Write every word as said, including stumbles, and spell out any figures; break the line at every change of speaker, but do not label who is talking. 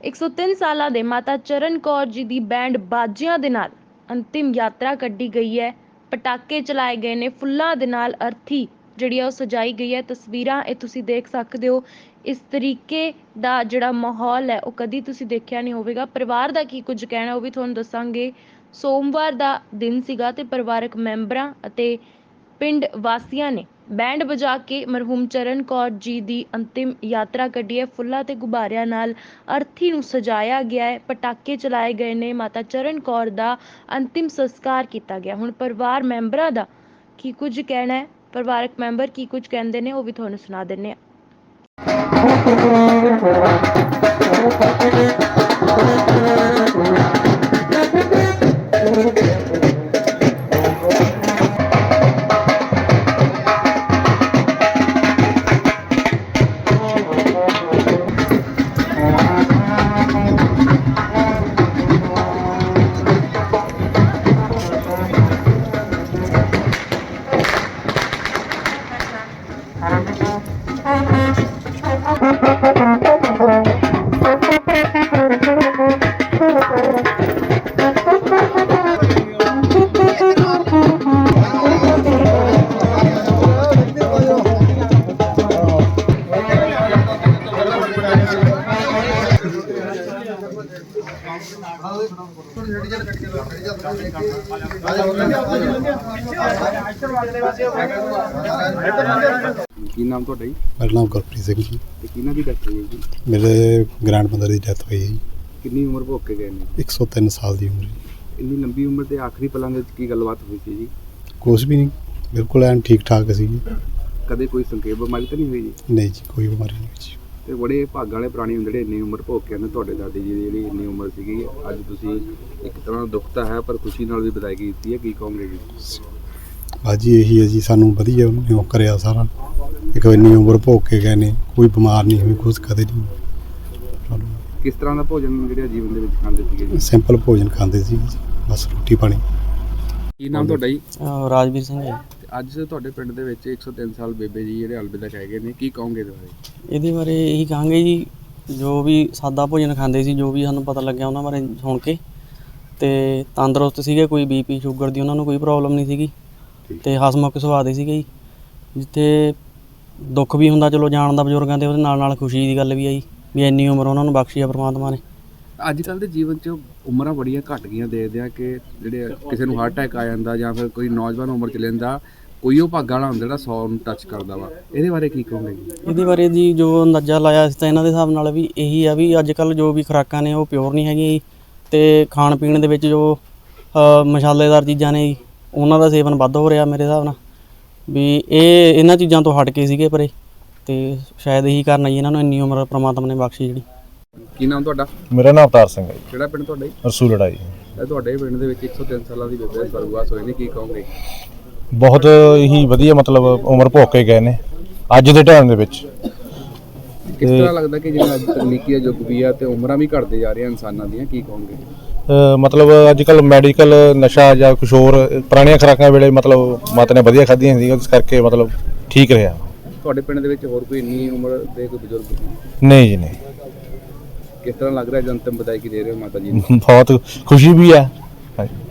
ਇੱਕ ਸੌ ਤਿੰਨ ਸਾਲਾਂ ਦੇ ਮਾਤਾ ਚਰਨ ਕੌਰ ਜੀ ਦੀ ਬੈਂਡ ਬਾਜਿਆਂ ਦੇ ਨਾਲ ਅੰਤਿਮ ਯਾਤਰਾ ਕੱਢੀ ਗਈ ਹੈ। ਪਟਾਕੇ ਚਲਾਏ ਗਏ ਨੇ, ਫੁੱਲਾਂ ਦੇ ਨਾਲ ਅਰਥੀ ਜਿਹੜੀ ਆ ਉਹ ਸਜਾਈ ਗਈ ਹੈ। ਤਸਵੀਰਾਂ ਇਹ ਤੁਸੀਂ ਦੇਖ ਸਕਦੇ ਹੋ। ਇਸ ਤਰੀਕੇ ਦਾ ਜਿਹੜਾ ਮਾਹੌਲ ਹੈ ਉਹ ਕਦੀ ਤੁਸੀਂ ਦੇਖਿਆ ਨਹੀਂ ਹੋਵੇਗਾ। ਪਰਿਵਾਰ ਦਾ ਕੀ ਕੁਝ ਕਹਿਣਾ ਉਹ ਵੀ ਤੁਹਾਨੂੰ ਦੱਸਾਂਗੇ। ਸੋਮਵਾਰ ਦਾ ਦਿਨ ਸੀਗਾ ਤੇ ਪਰਿਵਾਰਕ ਮੈਂਬਰਾਂ ਅਤੇ ਪਿੰਡ ਵਾਸੀਆਂ ਨੇ ਬੈਂਡ ਵਜਾ ਕੇ ਮਰਹੂਮ ਚਰਨ ਕੌਰ ਜੀ ਦੀ ਅੰਤਿਮ ਯਾਤਰਾ ਕੱਢੀ ਹੈ। ਫੁੱਲਾਂ ਤੇ ਗੁਬਾਰਿਆਂ ਨਾਲ ਅਰਥੀ ਨੂੰ ਸਜਾਇਆ ਗਿਆ ਹੈ, ਪਟਾਕੇ ਚਲਾਏ ਗਏ ਨੇ, ਮਾਤਾ ਚਰਨ ਕੌਰ ਦਾ ਅੰਤਿਮ ਸੰਸਕਾਰ ਕੀਤਾ ਗਿਆ। ਹੁਣ ਪਰਿਵਾਰ ਮੈਂਬਰਾਂ ਦਾ ਕੀ ਕੁਝ ਕਹਿਣਾ ਹੈ, ਪਰਿਵਾਰਕ ਮੈਂਬਰ ਕੀ ਕੁਝ ਕਹਿੰਦੇ ਨੇ ਉਹ ਵੀ ਤੁਹਾਨੂੰ ਸੁਣਾ ਦਿੰਦੇ ਹਾਂ।
ਕੀ ਨਾਮ ਤੁਹਾਡਾ ਜੀ?
ਮੇਰਾ ਨਾਮ ਗੁਰਪ੍ਰੀਤ ਸਿੰਘ ਜੀ।
ਤੇ ਕਿਹਨਾਂ ਦੀ ਡੈਥ ਹੋਈ ਹੈ ਜੀ?
ਮੇਰੇ ਗ੍ਰੈਂਡ ਮਦਰ ਦੀ ਡੈਥ ਹੋਈ ਹੈ ਜੀ।
ਕਿੰਨੀ ਉਮਰ ਭੋਗ ਕੇ ਗਏ ਨੇ?
ਇੱਕ ਸੌ ਤਿੰਨ ਸਾਲ ਦੀ ਉਮਰ।
ਇੰਨੀ ਲੰਬੀ ਉਮਰ ਦੇ ਆਖਰੀ ਪਲਾਂ ਦੇ ਵਿੱਚ ਕੀ ਗੱਲਬਾਤ ਹੋਈ ਸੀ ਜੀ?
ਕੁਛ ਵੀ ਨਹੀਂ, ਬਿਲਕੁਲ ਐਨ ਠੀਕ ਠਾਕ ਸੀ ਜੀ।
ਕਦੇ ਕੋਈ ਸੰਖੇਪ ਬਿਮਾਰੀ ਤਾਂ ਨਹੀਂ ਹੋਈ ਜੀ?
ਨਹੀਂ ਜੀ, ਕੋਈ ਬਿਮਾਰੀ ਨਹੀਂ ਹੋਈ ਜੀ।
ਤੇ ਬੜੇ ਭਾਗਾਂ ਵਾਲੇ ਪ੍ਰਾਣੀ ਹੁੰਦੇ ਜਿਹੜੇ ਇੰਨੀ ਉਮਰ ਭੋਗ ਕੇ ਆਉਂਦੇ। ਤੁਹਾਡੇ ਦਾਦੀ ਜੀ ਦੀ ਜਿਹੜੀ ਇੰਨੀ ਉਮਰ ਸੀਗੀ, ਅੱਜ ਤੁਸੀਂ ਇੱਕ ਤਰ੍ਹਾਂ ਦਾ ਦੁੱਖ ਤਾਂ ਹੈ ਪਰ ਖੁਸ਼ੀ ਨਾਲ ਵੀ ਵਿਦਾਇਗੀ ਕੀਤੀ ਹੈ, ਕੀ ਕਹੋਗੇ ਜੀ?
ਬਾਜੀ ਇਹੀ ਹੈ ਜੀ, ਸਾਨੂੰ ਵਧੀਆ ਉਹਨੇ ਉਹ ਕਰਿਆ ਸਾਰਾ। ਇੱਕ ਇੰਨੀ ਉਮਰ ਭੋਗ ਕੇ ਗਏ ਨੇ, ਕੋਈ ਬਿਮਾਰ ਨਹੀਂ ਹੋਈ, ਕੁਛ ਕਦੇ ਨਹੀਂ।
ਕਿਸ ਤਰ੍ਹਾਂ ਦਾ ਭੋਜਨ ਜਿਹੜੇ ਜੀਵਨ ਦੇ ਵਿੱਚ ਖਾਂਦੇ ਸੀਗੇ ਜੀ?
ਸਿੰਪਲ ਭੋਜਨ ਖਾਂਦੇ ਸੀ ਜੀ, ਬਸ ਰੋਟੀ ਪਾਣੀ।
ਕੀ ਨਾਮ ਤੁਹਾਡਾ ਜੀ?
ਰਾਜਵੀਰ ਸਿੰਘ ਜੀ।
ਅੱਜ ਤੁਹਾਡੇ ਪਿੰਡ ਦੇ ਵਿੱਚ ਇੱਕ ਸੌ ਤਿੰਨ ਸਾਲ ਬੇਬੇ ਜੀ ਜਿਹੜੇ ਅਲਵਿਦਾ ਕਹਿ ਗਏ ਨੇ, ਕੀ ਕਹੋਗੇ ਇਹਦੇ ਬਾਰੇ?
ਇਹਦੇ ਬਾਰੇ ਇਹੀ ਕਹਾਂਗੇ ਜੀ, ਜੋ ਵੀ ਸਾਦਾ ਭੋਜਨ ਖਾਂਦੇ ਸੀ, ਜੋ ਵੀ ਸਾਨੂੰ ਪਤਾ ਲੱਗਿਆ ਉਹਨਾਂ ਬਾਰੇ ਸੁਣ ਕੇ, ਤੇ ਤੰਦਰੁਸਤ ਸੀਗੇ, ਕੋਈ ਬੀਪੀ ਸ਼ੂਗਰ ਦੀ ਉਹਨਾਂ ਨੂੰ ਕੋਈ ਪ੍ਰੋਬਲਮ ਨਹੀਂ ਸੀਗੀ, ਤੇ ਹਸਮੁਖ ਸੁਭਾਅ ਦੇ ਸੀਗੇ ਜੀ। ਜਿੱਥੇ ਦੁੱਖ ਵੀ ਹੁੰਦਾ ਚਲੋ ਜਾਣ ਦਾ ਬਜ਼ੁਰਗਾਂ ਦੇ, ਉਹਦੇ ਨਾਲ ਨਾਲ ਖੁਸ਼ੀ ਦੀ ਗੱਲ ਵੀ ਆਈ ਵੀ ਇੰਨੀ ਉਮਰ ਉਹਨਾਂ ਨੂੰ ਬਖਸ਼ੀ ਆ ਪਰਮਾਤਮਾ ਨੇ। ਅੱਜ ਕੱਲ੍ਹ ਦੇ ਜੀਵਨ 'ਚ ਉਮਰਾਂ ਬੜੀਆਂ ਘੱਟ ਗਈਆਂ, ਦੇਖਦੇ ਆ ਕਿ ਜਿਹੜੇ ਕਿਸੇ ਨੂੰ ਹਾਰਟ ਅਟੈਕ ਆ ਜਾਂਦਾ ਜਾਂ ਫਿਰ ਕੋਈ ਨੌਜਵਾਨ ਉਮਰ 'ਚ ਲੈਂਦਾ, ਕੋਈ ਉਹ ਭਾਗਾਂ ਵਾਲਾ ਹੁੰਦਾ ਜਿਹੜਾ ਸੌ ਨੂੰ ਟੱਚ ਕਰਦਾ ਵਾ। ਇਹਦੇ ਬਾਰੇ ਕੀ ਕਹੋਗੇ ਜੀ? ਇਹਦੇ ਬਾਰੇ ਜੀ ਜੋ ਅੰਦਾਜ਼ਾ ਲਾਇਆ ਸੀ ਤਾਂ ਇਹਨਾਂ ਦੇ ਹਿਸਾਬ ਨਾਲ ਵੀ ਇਹੀ ਆ ਵੀ ਅੱਜ ਕੱਲ੍ਹ ਜੋ ਵੀ ਖੁਰਾਕਾਂ ਨੇ ਉਹ ਪਿਓਰ ਨਹੀਂ ਹੈਗੀਆਂ ਜੀ, ਅਤੇ ਖਾਣ ਪੀਣ ਦੇ ਵਿੱਚ ਜੋ ਮਸਾਲੇਦਾਰ ਚੀਜ਼ਾਂ ਨੇ ਜੀ ਉਹਨਾਂ ਦਾ ਸੇਵਨ ਵੱਧ ਹੋ ਰਿਹਾ ਮੇਰੇ ਹਿਸਾਬ ਨਾਲ, ਵੀ ਇਹ ਇਹਨਾਂ ਚੀਜ਼ਾਂ ਤੋਂ ਹਟ ਕੇ ਸੀਗੇ ਪਰੇ, ਅਤੇ ਸ਼ਾਇਦ ਇਹੀ ਕਾਰਨ ਜੀ ਇਹਨਾਂ ਨੂੰ ਇੰਨੀ ਉਮਰ ਪ੍ਰਮਾਤਮਾ ਨੇ ਬਖਸ਼ੀ ਜਿਹੜੀ। ਕੀ ਨਾਮ ਤੁਹਾਡਾ?
ਮੇਰਾ ਨਾਮ ਅਵਤਾਰ ਸਿੰਘ ਹੈ ਜੀ।
ਕਿਹੜਾ ਪਿੰਡ ਤੁਹਾਡਾ ਜੀ?
ਰਸੂਲੜਾ ਜੀ।
ਤੁਹਾਡੇ ਪਿੰਡ ਦੇ ਵਿੱਚ ਇੱਕ ਸੌ ਤਿੰਨ ਸਾਲਾਂ ਦੀ ਬੇਬੇ ਸਵਰਗਵਾਸ ਹੋਏ ਨੇ, ਕੀ ਕਹੋਗੇ?
ਬਹੁਤ ਹੀ ਵਧੀਆ ਮਤਲਬ ਉਮਰ ਭੋਗ ਕੇ ਗਏ ਨੇ ਅੱਜ ਦੇ ਟਾਈਮ ਦੇ ਵਿੱਚ।
ਕਿਸ ਤਰ੍ਹਾਂ ਲੱਗਦਾ ਕਿ ਜਿਵੇਂ ਅੱਜ ਤਕਨੀਕੀ ਦਾ ਯੁੱਗ ਵੀ ਆ ਤੇ ਉਮਰਾਂ ਵੀ ਘਟਦੇ ਜਾ ਰਹੀਆਂ ਇਨਸਾਨਾਂ ਦੀਆਂ, ਕੀ ਕਹੋਗੇ?
ਮਤਲਬ ਅੱਜ ਕੱਲ੍ਹ ਮੈਡੀਕਲ ਨਸ਼ਾ ਜਾਂ ਕੁਛ ਹੋਰ ਪੁਰਾਣੀਆਂ ਖੁਰਾਕਾਂ ਵੇਲੇ ਮਤਲਬ ਮਾਤਾ ਨੇ ਵਧੀਆ ਖਾਧੀਆਂ ਸੀ, ਇਸ ਕਰਕੇ ਮਤਲਬ ਠੀਕ ਰਿਹਾ।
ਤੁਹਾਡੇ ਪਿੰਡ ਦੇ ਵਿੱਚ ਹੋਰ ਕੋਈ ਇੰਨੀ ਉਮਰ ਦੇ ਕੋਈ ਬਜ਼ੁਰਗ?
ਨਹੀਂ ਜੀ ਨਹੀਂ।
ਕਿਸ ਤਰ੍ਹਾਂ ਲੱਗ ਰਿਹਾ ਜਨਤਮ ਵਿਦਾਇਗੀ ਦੇ ਰਹੇ ਹੋ ਮਾਤਾ ਜੀ?
ਬਹੁਤ ਖੁਸ਼ੀ ਵੀ ਹੈ।